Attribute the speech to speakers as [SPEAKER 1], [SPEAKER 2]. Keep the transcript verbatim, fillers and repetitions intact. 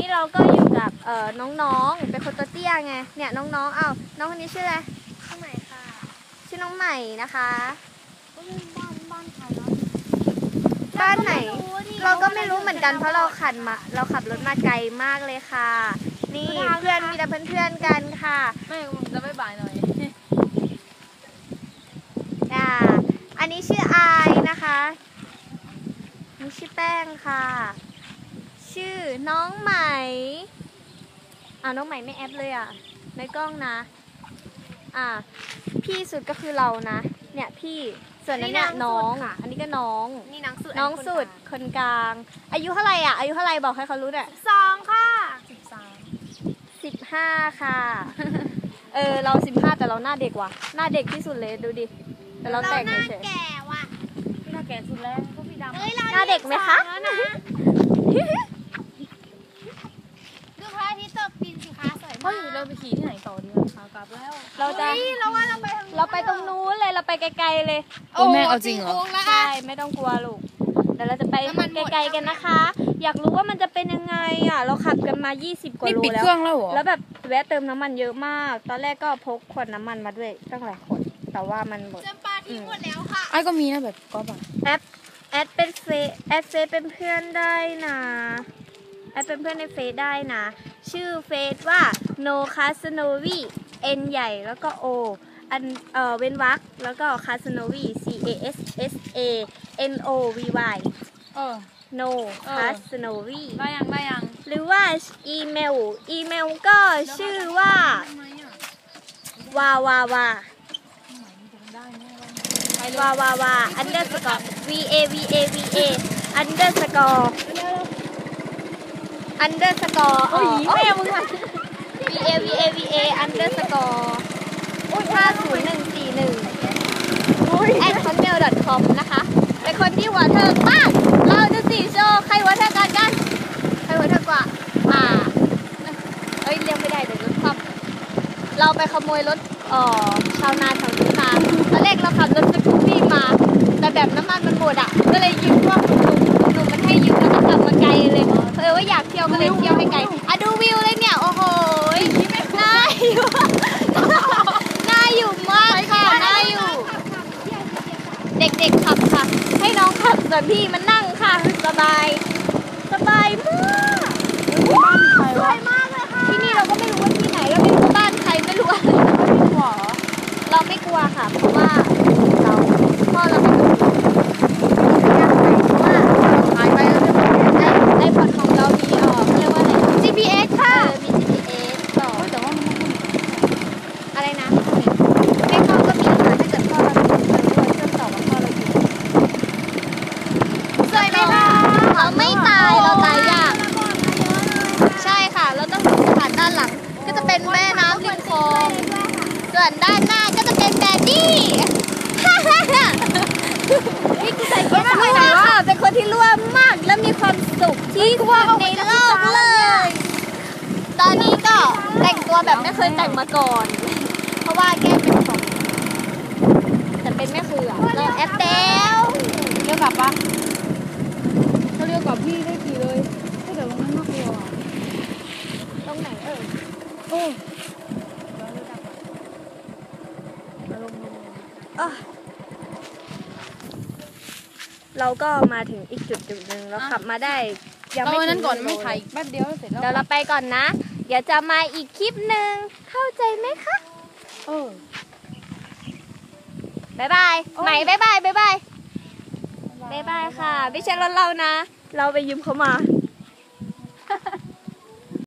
[SPEAKER 1] นี้เราก็อยู่กับเอ่อน้องๆเป็นคนตัวเตี้ยไงเนี่ยน้องๆอ้าวน้องคนนี้ชื่ออะไร
[SPEAKER 2] น้องใหม่ค่ะ
[SPEAKER 1] ชื่อน้องใหม่นะคะ
[SPEAKER 2] บ้านบ้านใครเนาะ
[SPEAKER 1] บ้านไหนเราก็ไม่รู้เหมือนกันเพราะเราขับมาเราขับรถมาไกลมากเลยค่ะนี่เพื่อนมีแต่เพื่อนๆกันค่ะ
[SPEAKER 2] ไม่จะไม่บ่ายหน่อย
[SPEAKER 1] อ่าอันนี้ชื่ออายนะคะนี่ชื่อแป้งค่ะชื่อน้องใหม่อ่าน้องใหม่ไม่แอปเลยอ่ะในกล้องนะอ่าพี่สุดก็คือเรานะเนี่ยพี่ส่วนนั้นเนี่ยน้องอันนี้ก็น้อง
[SPEAKER 2] นี่น้องสุด
[SPEAKER 1] น้องสุดคนกลางอายุเท่าไหร่อ่ะอายุเท่าไหร่บอกให้เขารู้หน่อย
[SPEAKER 2] สองค่ะสิบสาม
[SPEAKER 1] สิบห้าค่ะเออเราสิบห้าแต่เราหน้าเด็กว่ะหน้าเด็กที่สุดเลยดูดิแต่เราแต่งเฉย
[SPEAKER 2] ๆแก่ว่ะ
[SPEAKER 1] พี่หน้าแก่สุดแล้วก็พี่ดำ
[SPEAKER 2] หน้าเด็กไหมคะดูพระอาทิตย์ตกดินสิคะสวยมาก
[SPEAKER 3] เราไปขี่ที่ไหนต่อดีคะกลับแล้ว
[SPEAKER 1] เราจะ
[SPEAKER 2] เราว่าเราไป
[SPEAKER 1] เราไปตรงนู้นเลยเราไปไกลๆเลย
[SPEAKER 3] โอ้แม่เอาจริงเหรอ
[SPEAKER 1] ใช่ไม่ต้องกลัวลูกเดี๋ยวเราจะไปไกลๆกันนะคะอยากรู้ว่ามันจะเป็นยังไงอ่ะเราขับกันมายี่สิบกว่าโลแล้ว
[SPEAKER 3] นี่ปิดเครื่องแล้วเหรอ
[SPEAKER 1] แล้วแบบแวะเติมน้ำมันเยอะมากตอนแรกก็พกขวดน้ำมันมาด้วยตั้งหลายขวดแต่ว่ามันหมด
[SPEAKER 2] จำปาทิ้งหมดแล้วค่ะ
[SPEAKER 3] ไอ้ก็มีนะแบบก็แบบ
[SPEAKER 1] แอดแอดเป็นเฟซแอดเฟซเป็นเพื่อนได้นะแอดเป็นเพื่อนในเฟซได้นะชื่อเฟซว่า no casanovi n ใหญ่แล้วก็ o อันเอ่อเว้นวรรคแล้วก็ casanovi c a s s a n o v y
[SPEAKER 3] เออ
[SPEAKER 1] no casanovi
[SPEAKER 3] ได้ยังได้ยัง
[SPEAKER 1] หรือว่าอีเมลอีเมลก็ชื่อว่าวาวาวาวาวาวา underscore v a v a v a underscore underscore อ๋อแม่มึงว่ะ v a v a v a underscore ห้าศูนย์หนึ่งสี่หนึ่ง at hotmail dot com นะคะเป็นคนที่หัวเถิกมากเราจะสี่โชว์ใครหัวเถิกกันกันใครหัวเถิกกว่าอ่าเอ้ยเรียกไม่ได้เดี๋ยวรถคว่ำเราไปขโมยรถเอ่อชาวนาแถวนี้มาตอนแรกเราขับรถสกูปปี้มาแต่แบบน้ำมันมันหมดอ่ะก็เลยยืมพวกหนุ่มๆมันให้ยืมแล้วก็ขับมาไกลเลยเออว่าอยากเที่ยวก็เลยเที่ยวให้ไกลอ่ะดูวิวเลยเนี่ยโอ้โหน่าอยู่น่าอยู่มากค่ะน่าอยู่เด็กๆขับค่ะให้น้องขับส่วนพี่มันนั่งค่ะสบายสบายมากสวยมากเลยค่ะที่นี่เราก็ไม่รู้ว่าที่ไหนเราไม่รู้บ้านใครไม่รู้อะไรไม่กลัวเราไม่กลัวค่ะเพราะว่าเราพ่อเราไม่กลัวเพราะว่าหายไปแล้วไอ้ไอ้พอร์ตของเรามีเออเขาเรียกว่าอะไร จี พี เอส ค่ะมี จี พี เอส ต่อแต่ว่ามันอะไรนะแม่พ่อก็มีค่ะถ้าเกิดพ่อเราเป็นคนรวยเชื่อมต่อกับพ่อเราอยู่สวยไหมคะเราไม่ตายเราตายยากใช่ค่ะเราต้องดูสถานด้านหลังก็จะเป็นแม่น้ำริมคลองส่วนด้านหน้าก็จะเป็นแดดดี้นี่คือใส่เกียร์รั่วค่ะเป็นคนที่รั่วมากและมีความสุขที่สุดในโลกเลยตอนนี้ก็แต่งตัวแบบไม่เคยแต่งมาก่อนเพราะว่าแก้เป็นของแต่เป็นแม่คืออ่ะเราแอปเดล
[SPEAKER 3] เรียกกลับปะถ้าเรียกกลับพี่ได้ขี่เลยถ้าเดี๋ยวลงนั้นน่ากลัว
[SPEAKER 1] ตรงไหนเออ
[SPEAKER 3] โอ้
[SPEAKER 1] เราก็มาถึงอีกจุดจุดหนึ่งเราขับมาได้
[SPEAKER 3] ยังไม่นั้นก่อนไม่ถ่ายแป๊บเดียวเสร็จแล้ว
[SPEAKER 1] เดี๋ยวเราไปก่อนนะเดี๋ยวจะมาอีกคลิปหนึ่งเข้าใจไหมคะ
[SPEAKER 3] เออ
[SPEAKER 1] บ๊ายบายใหม่บ๊ายบายบ๊ายบายบ๊ายบายค่ะไม่ใช่รถเรานะเราไปยืมเขามา